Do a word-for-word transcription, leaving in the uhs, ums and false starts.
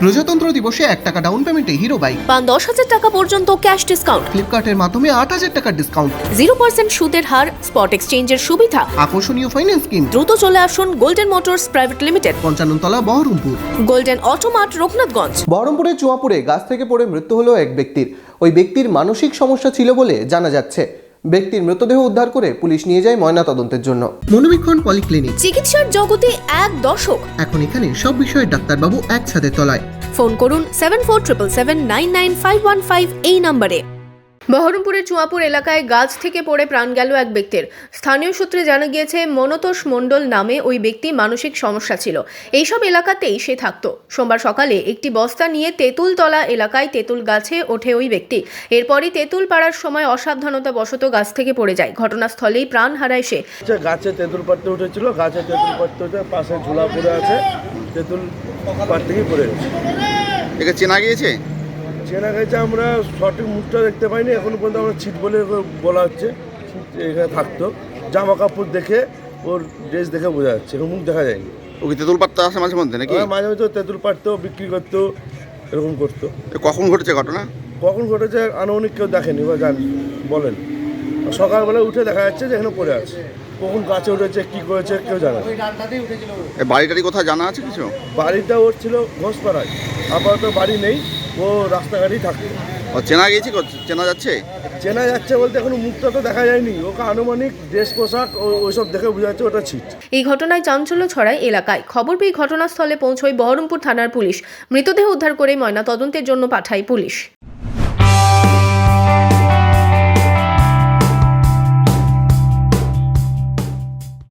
প্রজাতন্ত্র দিবসে এক টাকা ডাউন পেমেন্টে হিরো বাইক, পান দশ হাজার টাকা পর্যন্ত ক্যাশ ডিসকাউন্ট, ফ্লিপকার্টের মাধ্যমে আট হাজার টাকার ডিসকাউন্ট, জিরো পার্সেন্ট সুদের হার, স্পট এক্সচেঞ্জের সুবিধা। আকর্ষণীয় ফাইন্যান্স স্কিম। দ্রুত চলে আসুন গোল্ডেন মোটরস প্রাইভেট লিমিটেড, পঞ্চান্ন তলা, বহরমপুর। Golden Automart, Raghunathganj. বহরমপুরের চুয়াপুরে গাছ থেকে পড়ে মৃত্যু হলো এক ব্যক্তির। ওই ব্যক্তির মানসিক সমস্যা ছিল বলে জানা যাচ্ছে। ব্যক্তির মৃতদেহ উদ্ধার করে পুলিশ নিয়ে যায় ময়নাতদন্তের জন্য। মনোবীক্ষণ পলিক্লিনিক, চিকিৎসার জগতে এক দশক। এখন এখানে সব বিষয়ে ডাক্তারবাবু এক ছাদের তলায়। ফোন করুন seven four triple seven nine nine five one five এই নম্বরে। বহরমপুরের চুয়াপুর এলাকায় গাছ থেকে পড়ে প্রাণ গেল এক ব্যক্তির। স্থানীয় সূত্রে জানা গিয়েছে, মনতোষ মণ্ডল নামে ওই ব্যক্তি মানসিক সমস্যা ছিল। এইসব এলাকাতেই সে থাকতো। সোমবার সকালে একটি বস্তা নিয়ে তেঁতুলতলা এলাকায় তেঁতুল গাছে ওঠে ওই ব্যক্তি। এরপরই তেঁতুল পাড়ার সময় অসাবধানতা বশত গাছ থেকে পড়ে যায়। ঘটনাস্থলেই প্রাণ হারায় সে। গাছে তেঁতুল পাড়তে উঠেছিল, গাছে তেঁতুল পাড়তে উঠে পাশে ঝোলা পড়ে আছে, তেঁতুল পাড় থেকে পড়ে গেছে। একে চেনা গিয়েছে? চেনা গেছে, আমরা সঠিক মুখটা দেখতে পাইনি এখনো পর্যন্ত। আমরা ছিট বলে বলা হচ্ছে, ছিট এখানে থাকতো। জামা কাপড় দেখে, ওর ড্রেস দেখে বোঝা যাচ্ছে, এখন মুখ দেখা যায়নি। ও কি তেঁতুল পাড়তে আসে মাঝে মধ্যে নাকি? মাঝে মাঝে তেঁতুল পাড়তো, বিক্রি করতো, এরকম করতো। এ কখন ঘটেছে ঘটনা? কখন ঘটেছে আনুমানিক কেউ দেখেনি বা জানি বলেন। সকালবেলা উঠে দেখা যাচ্ছে যে এখানে পড়ে আছে। কখন গাছে উঠেছে, কী করেছে কেউ জানে না। এ বাড়িটারি কোথায় জানা আছে কিছু? বাড়িটা ওর ছিল ঘোষপাড়ায়, আপাতত বাড়ি নেই, ও রাস্তাঘাটেই থাকতো। ও চেনা গিয়েছে? চেনা যাচ্ছে? চেনা যাচ্ছে বলতে এখনো মুখটা তো দেখা যায়নি। ওকে আনুমানিক ড্রেস পোশাক ওইসব দেখে বোঝা যাচ্ছে ওটা ছিট। এই ঘটনায় চাঞ্চল্য ছড়ায় এলাকায়। খবর পেয়ে ঘটনাস্থলে পৌঁছয় বহরমপুর থানার পুলিশ। মৃতদেহ উদ্ধার করে ময়নাতদন্তের জন্য পাঠায় পুলিশ।